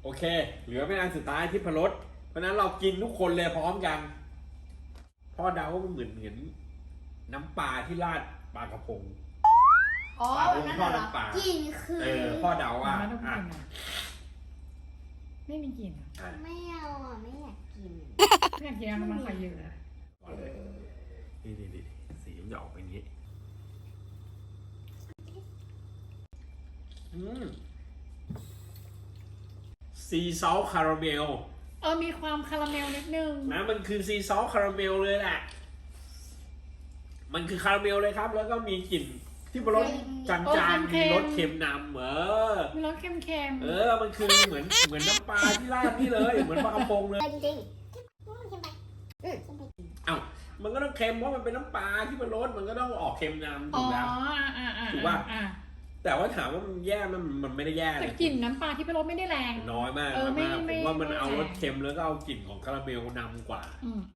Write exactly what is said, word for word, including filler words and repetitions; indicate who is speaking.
Speaker 1: โอเคเหลือเป็นอันสุดท้ายที่พรสเพราะนั้นเรากินทุกคนเลยพร้อมกันพ่อเดาว่ามันเหมือนเหมือนน้ำปลาที่ราดปลากระพง
Speaker 2: อ๋อ
Speaker 1: ปลาพง
Speaker 2: นั่น
Speaker 1: ทอด
Speaker 2: เหรอ
Speaker 1: น้ำปลา
Speaker 2: กินคือ
Speaker 1: เออพ่อเดาว่า
Speaker 3: ไม่ต้องกิ
Speaker 1: อ่ะ
Speaker 3: นอ่ะไม่มีกลิ่นอ่ะ
Speaker 1: อ่ะ
Speaker 2: ไม่เอาอ่ะไม่อยากกิน
Speaker 3: ไม่อยากกินน้ำมันไข่เยอะนะ
Speaker 1: ก่อนเลยนี่นี่นี่สีมันจะออกเป็นอย่างนี้อืมซีซอสคาราเมล
Speaker 3: เออมีความคาราเมลนิดนึง
Speaker 1: นะมันคือซีซอสคาราเมลเลยแหละมันคือคาราเมลเลยครับ แล้วก็มีกลิ่นที่รสจางๆมีรสเค็มนำเออ
Speaker 3: มีรสเค็มๆ
Speaker 1: เออมันคือเหมือนเหมือนน้ำปลาที่ราดนี่เลยเหมือนปลากระพงเลย
Speaker 2: จริงๆมันเค็มไปอืมเค็มไป
Speaker 1: เอ้ามันก็ต้องเค็มเพราะมันเป็นน้ำปลาที่มันรสมันก็ต้องออกเค็มนำ
Speaker 3: อ๋
Speaker 1: ถู
Speaker 3: อก
Speaker 1: แล้ว
Speaker 3: อ่าอ่าอ่า
Speaker 1: ถูกป่ะ
Speaker 3: อ่า
Speaker 1: แต่ว่าถามว่ามันแย่มันมันไม่ได้แย่
Speaker 3: แต่
Speaker 1: นะ
Speaker 3: กลิ่นน้ำปลาที่เป็นรสไม่ได้แรง
Speaker 1: น้อยมาก
Speaker 3: เออ
Speaker 1: น้อยมาก
Speaker 3: ไม่
Speaker 1: ผ
Speaker 3: ไม่
Speaker 1: มว่ามัน
Speaker 3: ไม่
Speaker 1: เอารส
Speaker 3: แรง
Speaker 1: เค็มแล้วก็เอากลิ่นของคาราเมลนำกว่า
Speaker 3: อืม